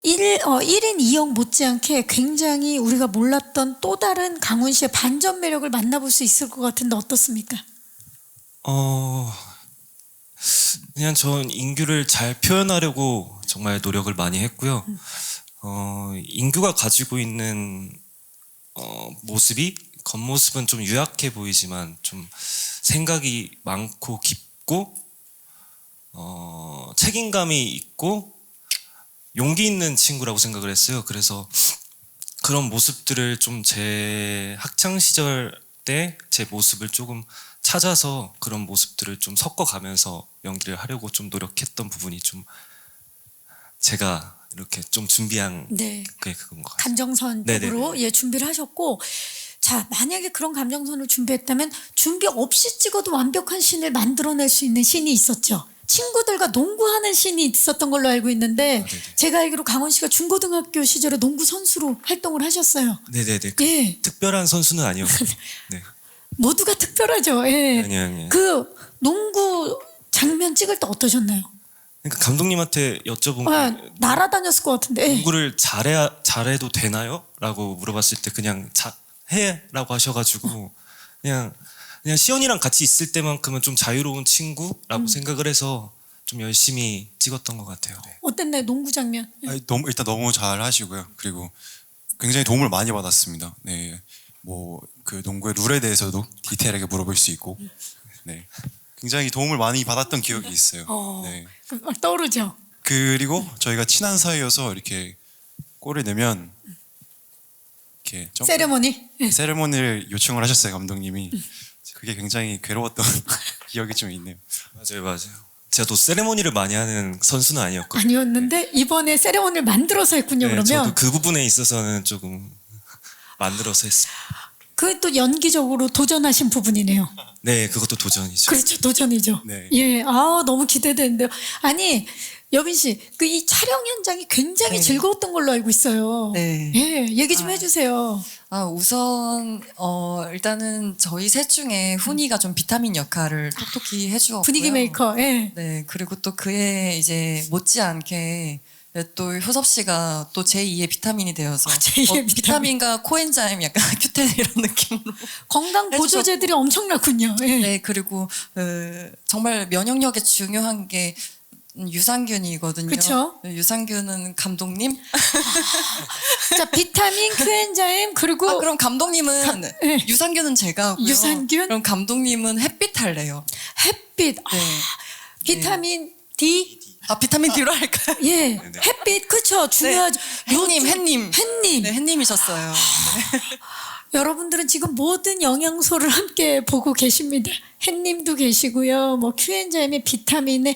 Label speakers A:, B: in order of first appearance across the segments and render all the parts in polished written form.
A: 1인 2역 못지않게 굉장히 우리가 몰랐던 또 다른 강훈 씨의 반전 매력을 만나볼 수 있을 것 같은데 어떻습니까?
B: 그냥 전 인규를 잘 표현하려고 정말 노력을 많이 했고요. 인규가 가지고 있는 모습이 겉모습은 좀 유약해 보이지만 좀 생각이 많고 깊고 책임감이 있고 용기 있는 친구라고 생각을 했어요. 그래서 그런 모습들을 좀 제 학창 시절 때 제 모습을 조금 찾아서 그런 모습들을 좀 섞어가면서 연기를 하려고 좀 노력했던 부분이 좀 제가 이렇게 좀 준비한
A: 네.
B: 게 그건 것 같아요.
A: 감정선 쪽으로
B: 네네네.
A: 예, 준비를 하셨고, 자, 만약에 그런 감정선을 준비했다면 준비 없이 찍어도 완벽한 씬을 만들어낼 수 있는 씬이 있었죠. 친구들과 농구하는 씬이 있었던 걸로 알고 있는데
B: 네네.
A: 제가 알기로 강원 씨가 중고등학교 시절에 농구 선수로 활동을 하셨어요.
B: 네네네.
A: 예.
B: 특별한 선수는 아니었고. 네.
A: 모두가 특별하죠. 예.
B: 아니요.
A: 그 농구 장면 찍을 때 어떠셨나요?
B: 그러니까 감독님한테 여쭤본
A: 아,
B: 게
A: 날아다녔을 것 같은데. 예.
B: 농구를 잘해도 되나요? 라고 물어봤을 때 그냥 해라고 하셔가지고 그냥 시연이랑 같이 있을 때만큼은 좀 자유로운 친구라고 생각을 해서 좀 열심히 찍었던 것 같아요. 네.
A: 어땠나요? 농구 장면.
C: 아니, 일단 너무 잘 하시고요. 그리고 굉장히 도움을 많이 받았습니다. 네, 뭐 그 농구의 룰에 대해서도 디테일하게 물어볼 수 있고, 네, 굉장히 도움을 많이 받았던 기억이 있어요. 네.
A: 막 떠오르죠.
C: 그리고 저희가 친한 사이여서 이렇게 골을 내면 이렇게
A: 세레모니. 예.
C: 세레모니를 요청을 하셨어요, 감독님이. 그게 굉장히 괴로웠던 기억이 좀 있네요.
B: 맞아요. 제가 또 세레모니를 많이 하는 선수는 아니었거든요.
A: 아니었는데 이번에 세레모니를 만들어서 했군요.
B: 네,
A: 그러면
B: 저도 그 부분에 있어서는 조금 만들어서 했습니다.
A: 그게 또 연기적으로 도전하신 부분이네요.
B: 네, 그것도 도전이죠.
A: 그렇죠, 도전이죠.
C: 네.
A: 예, 아 너무 기대되는데요. 아니 여빈 씨, 그 이 촬영 현장이 굉장히
D: 네.
A: 즐거웠던 걸로 알고 있어요.
D: 네.
A: 예, 얘기 좀 해주세요.
D: 우선 일단은 저희 셋 중에 훈이가 좀 비타민 역할을 톡톡히 해주었고요.
A: 분위기 메이커. 예.
D: 네, 그리고 또 그에 이제 못지않게 또 효섭 씨가 또 제2의 비타민이 되어서
A: 제2의
D: 비타민과 코엔자임 약간 큐텐 이런 느낌으로
A: 건강 보조제들이 엄청나군요. 예.
D: 네, 그리고 정말 면역력에 중요한 게 유산균이거든요.
A: 그쵸?
D: 유산균은 감독님?
A: 자, 비타민, 큐엔자임 그리고
D: 그럼 감독님은
A: 예.
D: 유산균은 제가 하고요.
A: 유산균?
D: 그럼 감독님은 햇빛 할래요.
A: 햇빛,
D: 네.
A: 비타민 D.
D: 비타민 D로 할까요?
A: 예, 햇빛 그쵸 중요하죠.
D: 햇님.
A: 햇님.
D: 네, 햇님이셨어요.
A: 여러분들은 지금 모든 영양소를 함께 보고 계십니다. 햇님도 계시고요. 뭐 큐엔자임의 비타민의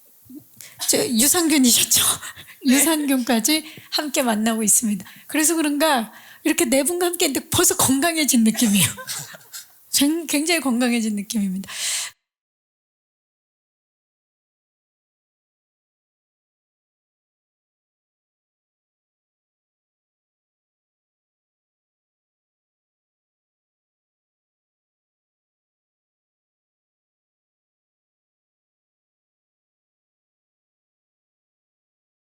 A: 유산균이셨죠. 유산균까지 함께 만나고 있습니다. 그래서 그런가 이렇게 네 분과 함께 했는데 벌써 건강해진 느낌이에요. 굉장히 건강해진 느낌입니다.